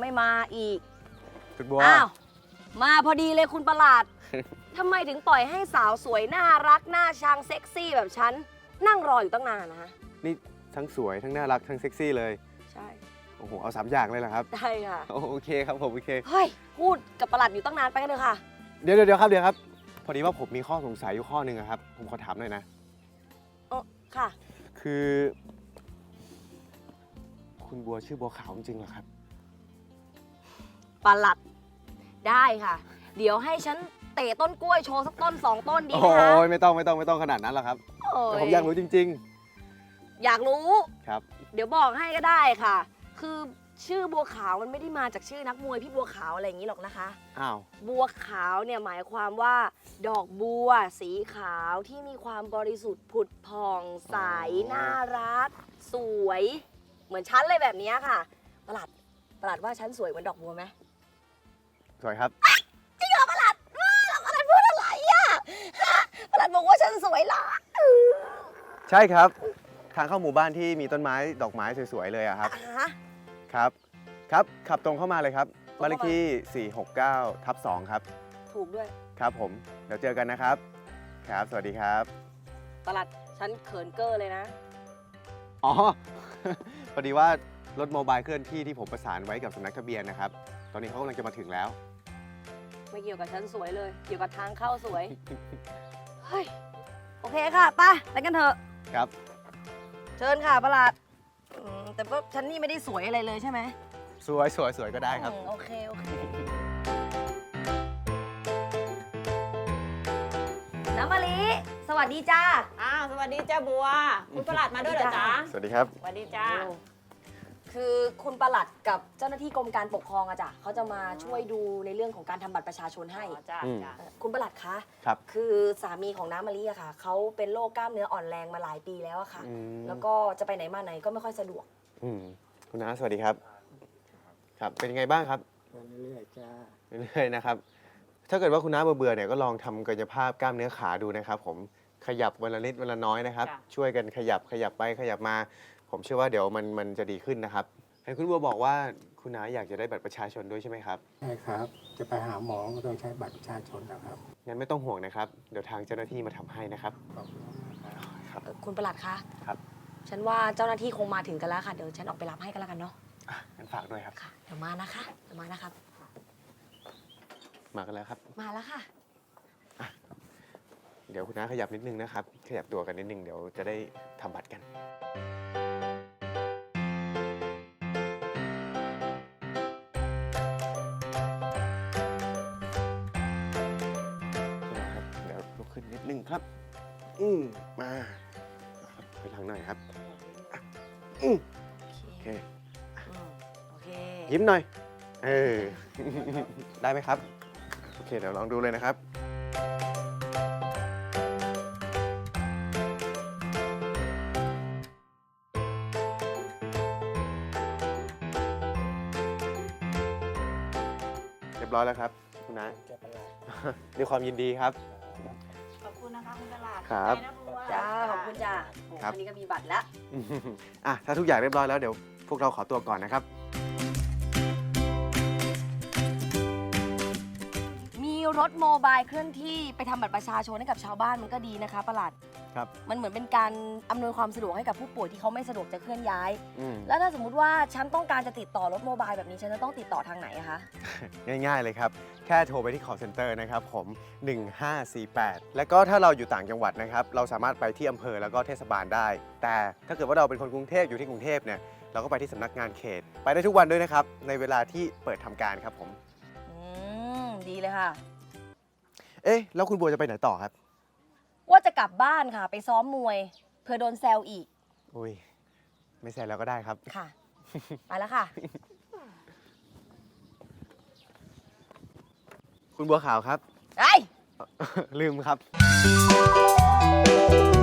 ไม่มาอีกคุณบัวอ้าว มาพอดีเลยคุณประหลาด ทำไมถึงปล่อยให้สาวสวยน่ารักน่าชังเซ็กซี่แบบฉันนั่งรออยู่ตั้งนานนะฮะนี่ทั้งสวยทั้งน่ารักทั้งเซ็กซี่เลยใช่โอ้โห เอา3 อย่างเลยเหรอครับได้ค่ะโอเคครับผมโอเคเฮ้ย พูดกับประหลัดอยู่ตั้งนานไปกันเลยค่ะเดี๋ยวครับ พอดีว่าผมมีข้อสงสัยอยู่ข้อหนึ่งอะครับ ผมขอถามหน่อยนะค่ะคือ คุณบัวชื่อบัวขาวจริงๆเหรอครับประหลัด ได้ค่ะ เดี๋ยวให้ฉันเตะต้นกล้วยโชว์สักต้น2 ต้นดีโอ้ไหมคะยไม่ต้องขนาดนั้นหรอกครับโอ้แต่ผมอยากรู้จริงอยากรู้ๆ ครับเดี๋ยวบอกให้ก็ได้ค่ะ คือชื่อบัวขาวมันไม่ได้มาจากชื่อนักมวยพี่บัวขาวอะไรอย่างนี้หรอกนะคะอ้าวบัวขาวเนี่ยหมายความว่า ดอกบัว สีขาวที่มีความบริสุทธิ์ผุดผ่องใสน่ารัก สวย เหมือนฉันเลยแบบนี้ค่ะประหลัดว่าฉันสวยเหมือนดอกบัวไหมสวยครับจริงเหรอประหลัดว่าแล้วประหลัดพูดอะไรอ่ะฮะประหลัดบอกว่าฉันสวยเหรอใช่ครับ ทางเข้าหมู่บ้านที่มีต้นไม้ดอกไม้สวยๆเลยอะครับฮะครับขับตรงเข้ามาเลยครับ บ้านเลขที่ 469/2 ครับถูกด้วยครับผม เดี๋ยวเจอกันนะครับ ครับ สวัสดีครับประหลัดฉันเขินเกอร์เลยนะอ๋อ พอดีว่ารถโมบายเคลื่อนที่ที่ผมประสานไว้กับสำนักทะเบียนนะครับ ตอนนี้เขากำลังจะมาถึงแล้วไม่เกี่ยวกับฉันสวยเลย เกี่ยวกับทางเข้าสวย เฮ้ย โอเคค่ะไปไปกันเถอะครับเชิญค่ะประหลัดแต่ว่าฉันนี่ไม่ได้สวยอะไรเลยใช่ไหมสวยก็ได้ครับโอเค น้ำมะลิสวัสดีจ้าอ้าวสวัสดีจ้าบัว คุณประหลัดมาด้วยเหรอจ๊ะสวัสดีครับสวัสดีจ้าคือคุณประหลัดกับเจ้าหน้าที่กรมการปกครองอะจ้ะเขาจะมาช่วยดูในเรื่องของการทำบัตรประชาชนให้อ๋อจ้าอืมจ้าคุณประหลัดคะครับคือสามีของน้ำมะลิอะค่ะเขาเป็นโรคกล้ามเนื้ออ่อนแรงมาหลายปีแล้วอะค่ะอืมแล้วก็จะไปไหนมาไหนก็ไม่ค่อยสะดวกคุณน้าสวัสดีครับ ครับ เป็นยังไงบ้างครับเรื่อยๆจ้าเรื่อยๆนะครับ ถ้าเกิดว่าคุณน้าเบื่อๆเนี่ยก็ลองทำกายภาพกล้ามเนื้อขาดูนะครับผม ขยับวันละนิดวันละน้อยนะครับ ช่วยกันขยับไปขยับมา ผมเชื่อว่าเดี๋ยวมันจะดีขึ้นนะครับเห็นคุณบัวบอกว่าคุณน้าอยากจะได้บัตรประชาชนด้วยใช่ไหมครับใช่ครับ จะไปหาหมอก็ต้องใช้บัตรประชาชนนะครับงั้นไม่ต้องห่วงนะครับ เดี๋ยวทางเจ้าหน้าที่มาทำให้นะครับขอบคุณมากครับครับคุณประหลัดคะครับฉันว่าเจ้าหน้าที่คงมาถึงกันแล้วค่ะ เดี๋ยวฉันออกไปรับให้กันแล้วกันเนาะงั้นฝากด้วยครับค่ะ เดี๋ยวมานะครับมากันแล้วครับมาแล้วค่ะเดี๋ยวคุณน้าขยับนิดนึงนะครับ ขยับตัวกันนิดนึงเดี๋ยวจะได้ทำบัตรกัน นะครับ เดี๋ยวลุกขึ้นนิดนึงครับ มาครับไปทางหน่อยครับอ่ะโอเคโอเคยิ้มหน่อย ได้ไหมครับ โอเค เดี๋ยวลองดูเลยนะครับ เรียบร้อยแล้วครับ คุณน้าจะเป็นไรด้วยความยินดีครับขอบคุณนะคะคุณประหลัดครับไปนะบัวจ้า ขอบคุณจ้าโอ้ครับอันนี้ก็มีบัตรแล้วอ่ะถ้าทุกอย่างเรียบร้อยแล้วเดี๋ยวพวกเราขอตัวก่อนนะครับมีรถโมบายเคลื่อนที่ไปทำบัตรประชาชนให้กับชาวบ้านมันก็ดีนะคะประหลัดครับมันเหมือนเป็นการอำนวยความสะดวกให้กับผู้ป่วยที่เขาไม่สะดวกจะเคลื่อนย้ายอืมแล้วถ้าสมมุติว่าฉันต้องการจะติดต่อรถโมบายแบบนี้ฉันจะต้องติดต่อทางไหนอะคะง่ายๆเลยครับ แค่โทรไปที่ call center นะครับผม 1548 แล้วก็ถ้าเราอยู่ต่างจังหวัดนะครับ เราสามารถไปที่อำเภอแล้วก็เทศบาลได้ แต่ถ้าเกิดว่าเราเป็นคนกรุงเทพอยู่ที่กรุงเทพเนี่ยเราก็ไปที่สำนักงานเขต ไปได้ทุกวันด้วยนะครับ ในเวลาที่เปิดทำการครับผมดีเลยค่ะเอ๊ะแล้วคุณบัวจะไปไหนต่อครับว่าจะกลับบ้านค่ะ ไปซ้อมมวยเพื่อโดนแซวอีกอุ้ยไม่ใส่แล้วก็ได้ครับค่ะ ไปแล้วค่ะคุณบัวขาวครับไอ้ยลืมครับ